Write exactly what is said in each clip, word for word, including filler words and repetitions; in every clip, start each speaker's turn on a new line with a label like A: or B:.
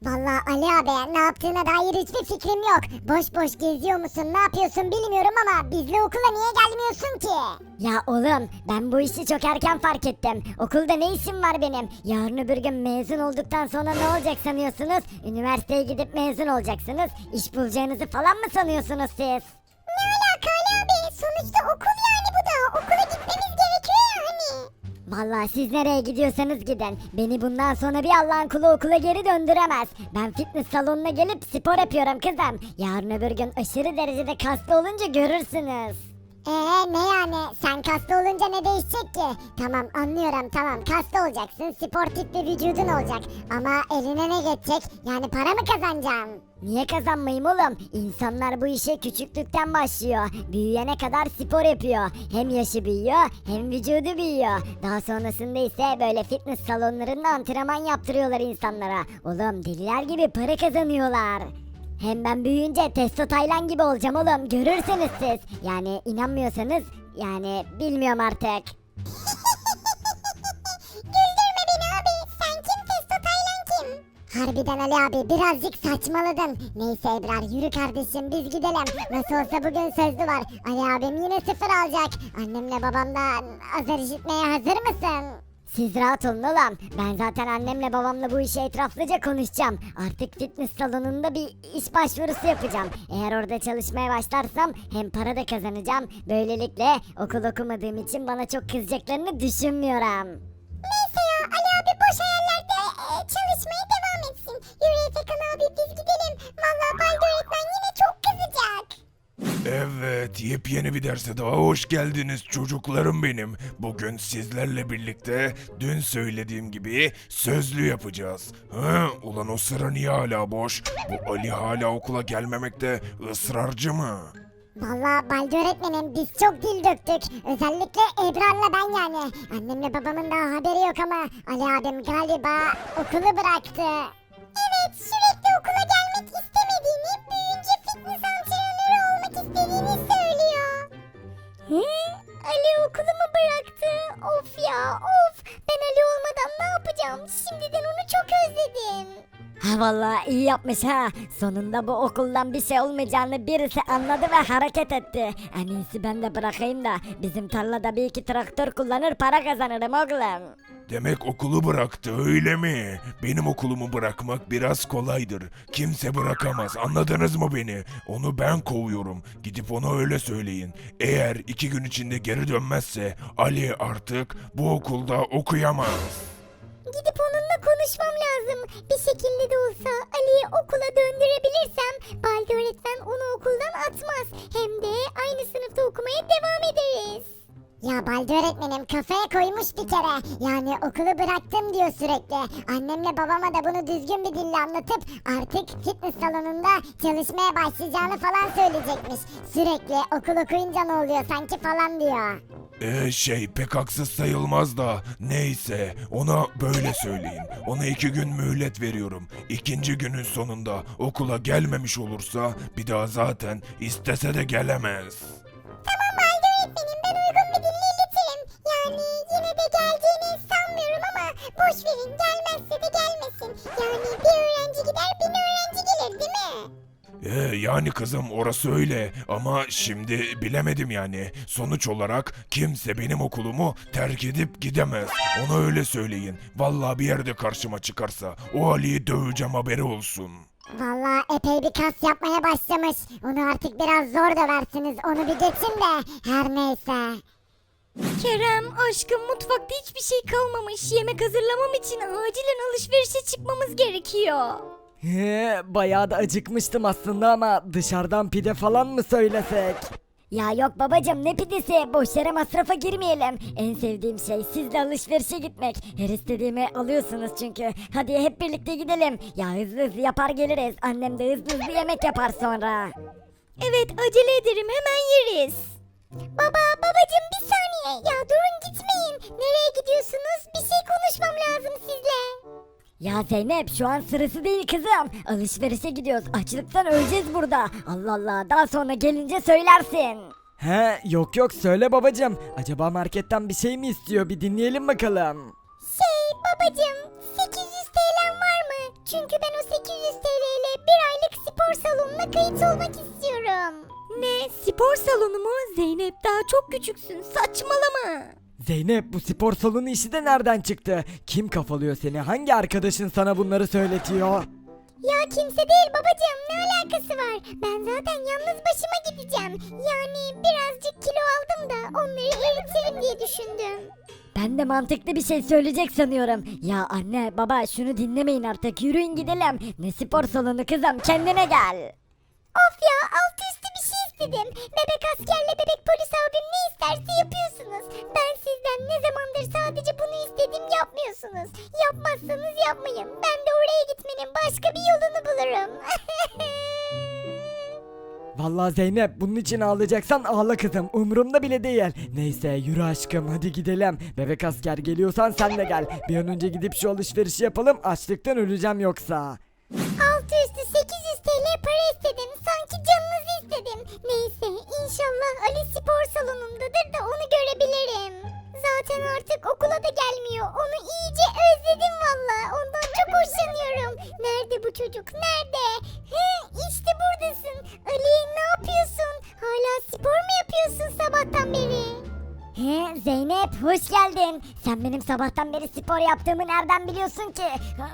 A: Vallahi Ali abi ne yaptığına dair hiçbir fikrim yok. Boş boş geziyor musun ne yapıyorsun bilmiyorum ama bizle okula niye gelmiyorsun ki? Ya oğlum ben bu işi çok erken fark ettim. Okulda ne işim var benim? Yarın öbür gün mezun olduktan sonra ne olacak sanıyorsunuz? Üniversiteye gidip mezun olacaksınız. İş bulacağınızı falan mı sanıyorsunuz siz? Ne alaka Ali abi? Sonuçta okul yani bu da. Okula gitmemiz gerekiyor ya hani. Vallahi siz nereye gidiyorsanız gidin. Beni bundan sonra bir Allah'ın kulu okula geri döndüremez. Ben fitness salonuna gelip spor yapıyorum kızım. Yarın öbür gün aşırı derecede kaslı olunca görürsünüz. Ee ne yani? Sen kaslı olunca ne değişecek ki? Tamam anlıyorum tamam kaslı olacaksın sportif bir vücudun olacak. Ama eline ne geçecek? Yani para mı kazanacaksın? Niye kazanmayayım oğlum? İnsanlar bu işe küçüklükten başlıyor. Büyüyene kadar spor yapıyor. Hem yaşı büyüyor hem vücudu büyüyor. Daha sonrasında ise böyle fitness salonlarında antrenman yaptırıyorlar insanlara. Oğlum deliler gibi para kazanıyorlar. Hem ben büyüyünce Testo Taylan gibi olacağım oğlum. Görürsünüz siz. Yani inanmıyorsanız yani bilmiyorum artık. Güldürme beni abi. Sen kim Testo Taylan kim? Harbiden Ali abi birazcık saçmaladın. Neyse Ebrar yürü kardeşim biz gidelim. Nasıl olsa bugün sözlü var. Ali abim yine sıfır alacak. Annemle babamdan azar işitmeye hazır mısın? Siz rahat olun oğlum. Ben zaten annemle babamla bu işi etraflıca konuşacağım. Artık fitness salonunda bir iş başvurusu yapacağım. Eğer orada çalışmaya başlarsam hem para da kazanacağım. Böylelikle okul okumadığım için bana çok kızacaklarını düşünmüyorum. Neyse ya Ali abi boş hayallerde e, çalışmaya devam etsin. Yürü Efekan abi biz gidelim. Vallahi Baldo öğretmen yine çok kızacak.
B: Evet, yepyeni bir derse daha hoş geldiniz çocuklarım benim. Bugün sizlerle birlikte dün söylediğim gibi sözlü yapacağız. Hı, ulan o sıra niye hala boş? Bu Ali hala okula gelmemekte ısrarcı mı?
A: Vallahi Baldi öğretmenim biz çok dil döktük. Özellikle Ebrar'la ben yani. Annemle babamın daha haberi yok ama Ali abim galiba okulu bıraktı. Evet sürekli okula gelmek istemediğini, büyüyünce fitness antrenörü olmak istediğini söylüyor. He? Ali okulu mu bıraktı? Of ya of. Ben Ali olmadan ne yapacağım? Şimdiden onu çok özledim. Ha vallahi iyi yapmış ha. Sonunda bu okuldan bir şey olmayacağını birisi anladı ve hareket etti. En iyisi ben de bırakayım da bizim tarlada bir iki traktör kullanır para kazanırım oğlum.
B: Demek okulu bıraktı öyle mi? Benim okulumu bırakmak biraz kolaydır. Kimse bırakamaz anladınız mı beni? Onu ben kovuyorum. Gidip ona öyle söyleyin. Eğer iki gün içinde geri dönmezse Ali artık bu okulda okuyamaz.
A: Gidip onunla konuşmam lazım. Bir şekilde de olsa Ali'yi okula döndürebilirsem Baldi öğretmen onu okuldan atmaz. Hem de aynı sınıfta okumaya devam ederiz. Ya Baldi öğretmenim kafaya koymuş bir kere. Yani okulu bıraktım diyor sürekli. Annemle babama da bunu düzgün bir dille anlatıp artık fitness salonunda çalışmaya başlayacağını falan söyleyecekmiş. Sürekli okul okuyunca ne oluyor sanki falan diyor.
B: Ee şey pek haksız sayılmaz da neyse ona böyle söyleyin. Ona iki gün mühlet veriyorum. İkinci günün sonunda okula gelmemiş olursa bir daha zaten istese de gelemez.
A: Tamam Baldi öğretmenim ben uygun bir dille iletirim. Yani yine de geleceğini sanmıyorum ama boş verin gelmezse de gelmesin. Yani bir öğrenci gider bin öğrenci gelir değil mi?
B: Ee, yani kızım orası öyle ama şimdi bilemedim yani. Sonuç olarak kimse benim okulumu terk edip gidemez. Ona öyle söyleyin. Vallahi bir yerde karşıma çıkarsa o Ali'yi döveceğim haberi olsun.
A: Vallahi epey bir kas yapmaya başlamış. Onu artık biraz zor döversiniz. Onu bir geçin de her neyse.
C: Kerem aşkım mutfakta hiçbir şey kalmamış. Yemek hazırlamam için acilen alışverişe çıkmamız gerekiyor.
D: He, bayağı da acıkmıştım aslında ama dışarıdan pide falan mı söylesek?
C: Ya yok babacım ne pidesi, boş yere masrafa girmeyelim. En sevdiğim şey sizle alışverişe gitmek. Her istediğimi alıyorsunuz çünkü. Hadi hep birlikte gidelim. Ya hızlı hızlı yapar geliriz. Annem de hızlı hızlı yemek yapar sonra. Evet acele ederim hemen yeriz.
A: Baba babacım bir saniye. Ya durun gitmeyin. Nereye gidiyorsunuz? Bir şey konuşmam lazım sizle.
C: Ya Zeynep şu an sırası değil kızım. Alışverişe gidiyoruz. Açlıktan öleceğiz burada. Allah Allah daha sonra gelince söylersin.
D: He, yok yok söyle babacım. Acaba marketten bir şey mi istiyor? Bir dinleyelim bakalım.
A: Şey babacım sekiz yüz T L'm var mı? Çünkü ben o sekiz yüz T L ile bir aylık spor salonuna kayıt olmak istiyorum.
C: Ne? Spor salonu mu? Zeynep daha çok küçüksün. Saçmalama.
D: Zeynep bu spor salonu işi de nereden çıktı? Kim kafalıyor seni? Hangi arkadaşın sana bunları söyletiyor?
A: Ya kimse değil babacığım, ne alakası var? Ben zaten yalnız başıma gideceğim. Yani birazcık kilo aldım da onları eritirim diye düşündüm.
C: Ben de mantıklı bir şey söyleyecek sanıyorum. Ya anne baba şunu dinlemeyin artık. Yürüyün gidelim. Ne spor salonu kızım, kendine gel.
A: Of ya, altı üstü bir şey istedim. Bebek askerle bebek polis abim ne isterse yapıyorsunuz. Ben sizden ne zamandır sadece bunu istedim, yapmıyorsunuz. Yapmazsanız yapmayın. Ben de oraya gitmenin başka bir yolunu bulurum.
D: Vallahi Zeynep bunun için ağlayacaksan ağla kızım. Umurumda bile değil. Neyse yürü aşkım hadi gidelim. Bebek asker geliyorsan sen de gel. Bir an önce gidip şu alışverişi yapalım. Açlıktan öleceğim yoksa.
A: Altı üstü sekiz yüz T L para istedim. Sanki canınızı istedim. Neyse, inşallah Ali spor salonundadır da onu görebilirim. Zaten artık okula da gelmiyor. Onu iyice özledim valla. Ondan çok hoşlanıyorum. Nerede bu çocuk? Nerede? He, işte buradasın. Ali, ne yapıyorsun? Hala spor mu yapıyorsun sabahtan beri?
C: He Zeynep hoş geldin. Sen benim sabahtan beri spor yaptığımı nereden biliyorsun ki?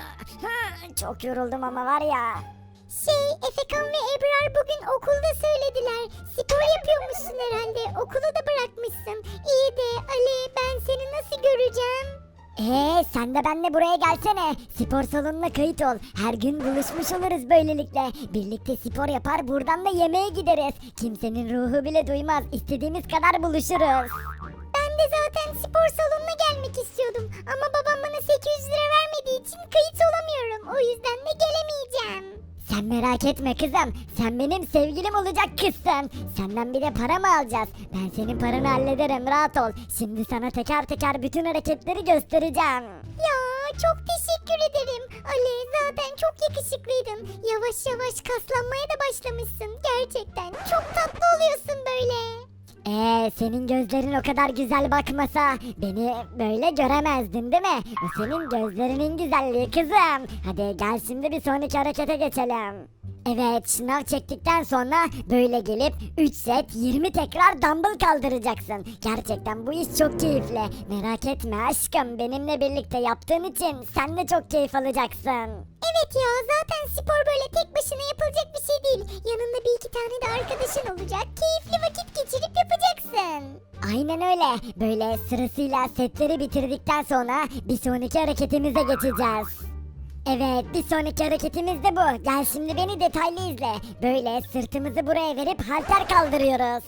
C: Çok yoruldum ama var ya.
A: Şey, Efekan ve Ebrar bugün okulda söylediler. Spor yapıyormuşsun herhalde. Okulu da bırakmışsın. İyi de Ali, ben seni nasıl göreceğim?
C: Ee sen de benimle buraya gelsene. Spor salonuna kayıt ol. Her gün buluşmuş oluruz böylelikle. Birlikte spor yapar buradan da yemeğe gideriz. Kimsenin ruhu bile duymaz. İstediğimiz kadar buluşuruz.
A: Ben de zaten spor salonuna gelmek istiyordum. Ama babam bana sekiz yüz lira vermediği için kayıt olamıyorum. O yüzden de gelemeyeceğim.
C: Sen merak etme kızım. Sen benim sevgilim olacak kızsın. Senden bir de para mı alacağız? Ben senin paranı hallederim, rahat ol. Şimdi sana teker teker bütün hareketleri göstereceğim.
A: Ya çok teşekkür ederim. Ali, zaten çok yakışıklıydın. Yavaş yavaş kaslanmaya da başlamışsın. Gerçekten çok tatlı oluyorsun böyle.
C: Ee, senin gözlerin o kadar güzel bakmasa beni böyle göremezdin değil mi? O senin gözlerinin güzelliği kızım. Hadi gel şimdi bir sonraki harekete geçelim. Evet, şınav çektikten sonra böyle gelip üç set yirmi tekrar dumbbell kaldıracaksın. Gerçekten bu iş çok keyifli. Merak etme aşkım, benimle birlikte yaptığın için sen de çok keyif alacaksın.
A: Evet ya, zaten spor böyle tek başına yapılacak bir şey değil. Yanında bir iki tane de arkadaşın olacak. Keyifli vakit geçirip yapacaksın.
C: Aynen öyle. Böyle sırasıyla setleri bitirdikten sonra bir sonraki hareketimize geçeceğiz. Evet, bir sonraki hareketimiz de bu. Gel şimdi beni detaylı izle. Böyle sırtımızı buraya verip halter kaldırıyoruz.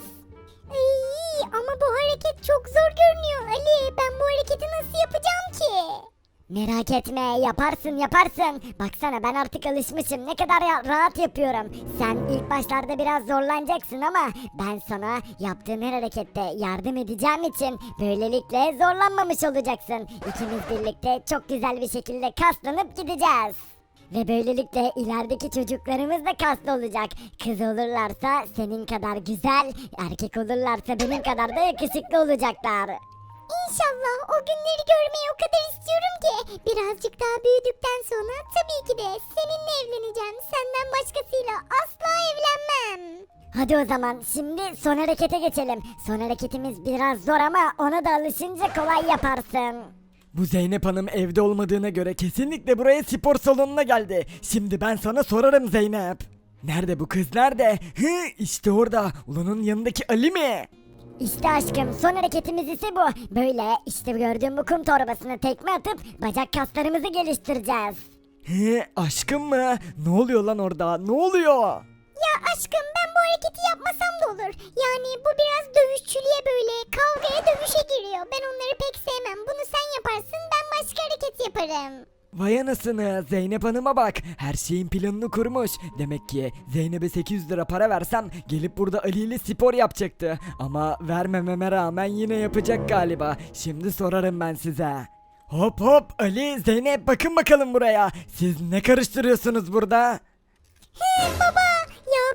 A: Ay, ama bu hareket çok zor görünüyor Ali. Ben bu hareketi nasıl yapacağım ki?
C: Merak etme, yaparsın yaparsın. Baksana ben artık alışmışım, ne kadar ya- rahat yapıyorum. Sen ilk başlarda biraz zorlanacaksın ama ben sana yaptığın her harekette yardım edeceğim için böylelikle zorlanmamış olacaksın. İkimiz birlikte çok güzel bir şekilde kaslanıp gideceğiz. Ve böylelikle ilerideki çocuklarımız da kaslı olacak. Kız olurlarsa senin kadar güzel, erkek olurlarsa benim kadar da yakışıklı olacaklar.
A: İnşallah o günleri görmeyi o kadar istiyorum ki. Birazcık daha büyüdükten sonra tabii ki de seninle evleneceğim. Senden başkasıyla asla evlenmem.
C: Hadi o zaman şimdi son harekete geçelim. Son hareketimiz biraz zor ama ona da alışınca kolay yaparsın.
D: Bu Zeynep Hanım evde olmadığına göre kesinlikle buraya spor salonuna geldi. Şimdi ben sana sorarım Zeynep. Nerede bu kız, nerede? Hı, işte orada. Ulanın yanındaki Ali mi?
C: İşte aşkım, son hareketimiz ise bu. Böyle işte gördüğün bu kum torbasına tekme atıp bacak kaslarımızı geliştireceğiz.
D: He, aşkım mı? Ne oluyor lan orada? Ne oluyor?
A: Ya aşkım, ben bu hareketi yapmasam da olur. Yani bu biraz dövüşçülüğe, böyle kavgaya, dövüşe giriyor. Ben onları pek sevmem. Bunu sen yaparsın, ben başka hareket yaparım.
D: Vay anasını, Zeynep Hanım'a bak. Her şeyin planını kurmuş. Demek ki Zeynep'e sekiz yüz lira para versem gelip burada Ali ile spor yapacaktı. Ama vermememe rağmen yine yapacak galiba. Şimdi sorarım ben size. Hop hop, Ali, Zeynep, bakın bakalım buraya. Siz ne karıştırıyorsunuz burada?
A: He baba, ya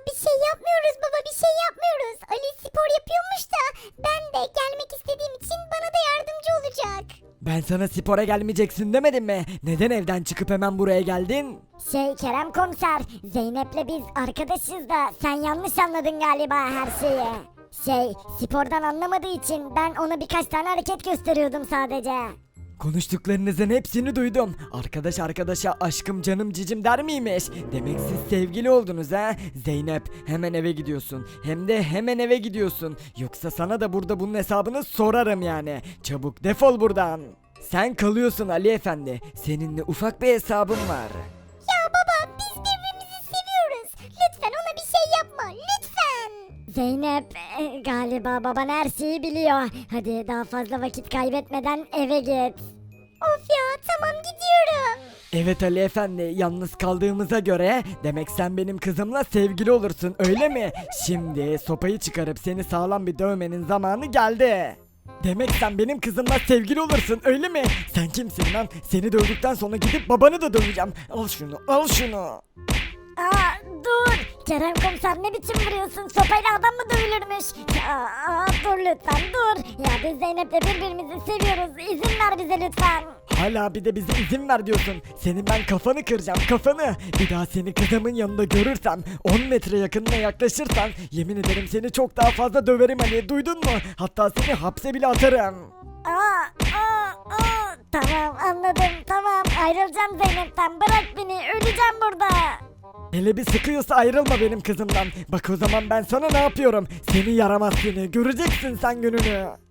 A: bir şey yapmıyoruz baba, bir şey yapmıyoruz. Ali spor yapıyormuş da ben de gelmek istediğim için bana da yardımcı olacak.
D: Ben sana spora gelmeyeceksin demedim mi? Neden evden çıkıp hemen buraya geldin?
A: Şey Kerem komiser, Zeynep'le biz arkadaşız da sen yanlış anladın galiba her şeyi. Şey, spordan anlamadığı için ben ona birkaç tane hareket gösteriyordum sadece.
D: Konuştuklarınızın hepsini duydum. Arkadaş arkadaşa aşkım canım cicim der miymiş? Demek siz sevgili oldunuz ha? Zeynep hemen eve gidiyorsun. Hem de hemen eve gidiyorsun. Yoksa sana da burada bunun hesabını sorarım yani. Çabuk defol buradan. Sen kalıyorsun Ali Efendi. Seninle ufak bir hesabım var.
A: Ya baba, biz birbirimizi seviyoruz. Lütfen ona bir şey yapma, lütfen.
C: Zeynep e, galiba baban her şeyi biliyor. Hadi daha fazla vakit kaybetmeden eve git.
A: Of ya, tamam gidiyorum.
D: Evet Ali Efendi, yalnız kaldığımıza göre demek sen benim kızımla sevgili olursun öyle mi? Şimdi sopayı çıkarıp seni sağlam bir dövmenin zamanı geldi. Demek sen benim kızımla sevgili olursun öyle mi? Sen kimsin lan? Seni dövdükten sonra gidip babanı da döveceğim. Al şunu, al şunu.
C: Aa dur. Kerem komiser ne biçim vuruyorsun? Sopayla adam mı dövülürmüş? Aa, aa, dur lütfen dur. Ya biz Zeynep'le birbirimizi seviyoruz. İzin ver bize lütfen.
D: Hala bir de bize izin ver diyorsun. Senin ben kafanı kıracağım, kafanı. Bir daha seni kızımın yanında görürsem, on metre yakınına yaklaşırsan yemin ederim seni çok daha fazla döverim Ali, duydun mu? Hatta seni hapse bile atarım.
C: Aa, aa, aa. Tamam anladım tamam. Ayrılacağım Zeynep'ten. Bırak beni. Öleceğim burada.
D: Hele bir sıkıyorsa ayrılma benim kızımdan. Bak o zaman ben sana ne yapıyorum? Seni yaramaz seni. Göreceksin sen gününü.